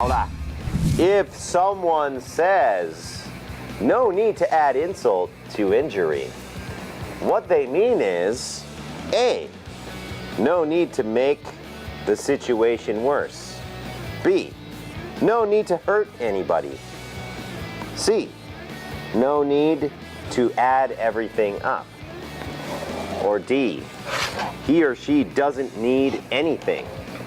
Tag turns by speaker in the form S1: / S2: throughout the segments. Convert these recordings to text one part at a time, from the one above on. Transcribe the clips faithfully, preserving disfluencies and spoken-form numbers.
S1: ล่ะ if someone says no need to add insult to injury what they mean is A no need to make the situation worse B no need to hurt anybody C no need to add everything up or D he or she doesn't need anything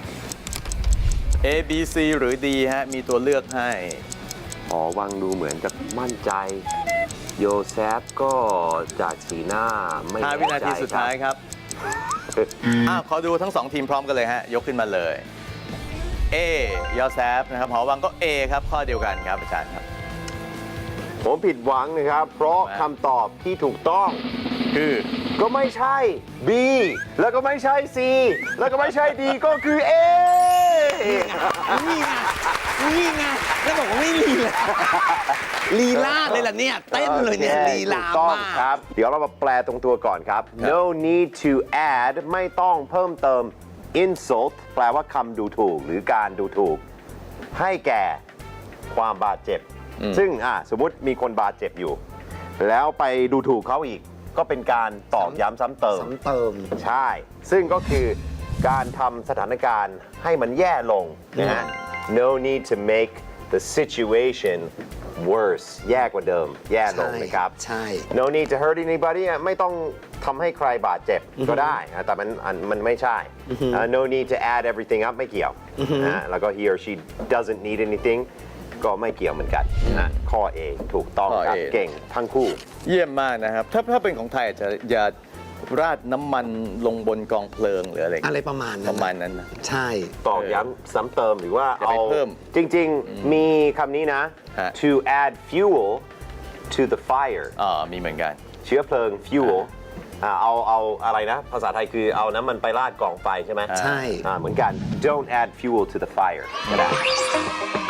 S2: A B C หรือ D ฮะมีตัวเลือกให้
S1: อ๋อวังดูเหมือนจะมั่นใจโยเซฟก็จากสีหน้าไม่แน่ใจ
S2: ห้า วินาทีสุดท้ายครับอ้าวขอดูทั้งสองทีมพร้อมกันเลยฮะยกขึ้นมาเลย A ยอแซฟนะครับหอวังก็ A ครับข้อเดียวกันครับอาจารย์ครับ
S1: ผมผิดหวังนะครับ เพราะคำตอบที่ถูกต้อง
S2: คือ
S1: ก็ไม่ใช่ B แล้วก็ไม่ใช่ C แล้วก็ไม่ใช่ D ก็คือ A
S3: นี่ไงนี่ไงแล้วบอกว่าไม่ลีลาลีลาเลยล่ะเนี่ยเต้นเลยเนี่ยลีลา
S1: ถูกต้อง
S3: มาก
S1: ครับ เดี๋ยวเรามาแปลตรงตัวก่อนครับ no need to add ไม่ต้องเพิ่มเติม insult แปลว่าคำดูถูกหรือการดูถูก ให้แก่ความบาดเจ็บ ซึ่งอ่ะสมมุติมีคนบาดเจ็บอยู่ แล้วไปดูถูกเขาอีก ก็เป็นการตอกย้ำซ้ำเติม
S3: ซ้ำเติม
S1: ใช่ ซึ่งก็คือการทำสถานการณ์ให้มันแย่ลงนะฮะ no need to make the situation worse แย่กว่าเดิม แย่ลงนะครับ
S3: ใช่
S1: no need to hurt anybody อ่ะไม่ต้องทำให้ใครบาดเจ็บก็ได้นะแต่มันอันมันไม่ใช่ uh, no need to add everything up ไม่เกี่ยวนะแล้วก็ he or she doesn't need anything ก็ไม่เกี่ยวเหมือนกันนะข้อ A ถูกต้องครับ
S2: ข้อ A
S1: เก่งทั้งคู่
S2: เยี่ยมมากนะครับ ถ้าถ้าเป็นของไทยอาจจะอย่าราดน้ำมันลงบนกองเพลิงหรืออะไร
S3: อะไรประมาณนั้น
S2: ประมาณนั้นนะ
S3: ใช่
S1: ตอกย้ำซ้ำเติมหรือว่า
S2: อย่าไป
S1: เอา
S2: เพิ่ม
S1: จริงๆ มีคำนี้นะ
S2: ฮะ
S1: to add fuel to the fire
S2: อ๋อมีเหมือนกัน
S1: เชื้อเพลิง fuel อ่าเอาเอาอะไรนะ ภาษาไทยคือเอาน้ำมันไปราดกล่องไฟใช่ไหม
S3: ใช่
S1: อ่าเหมือนกัน don't add fuel to the fire ก็ได้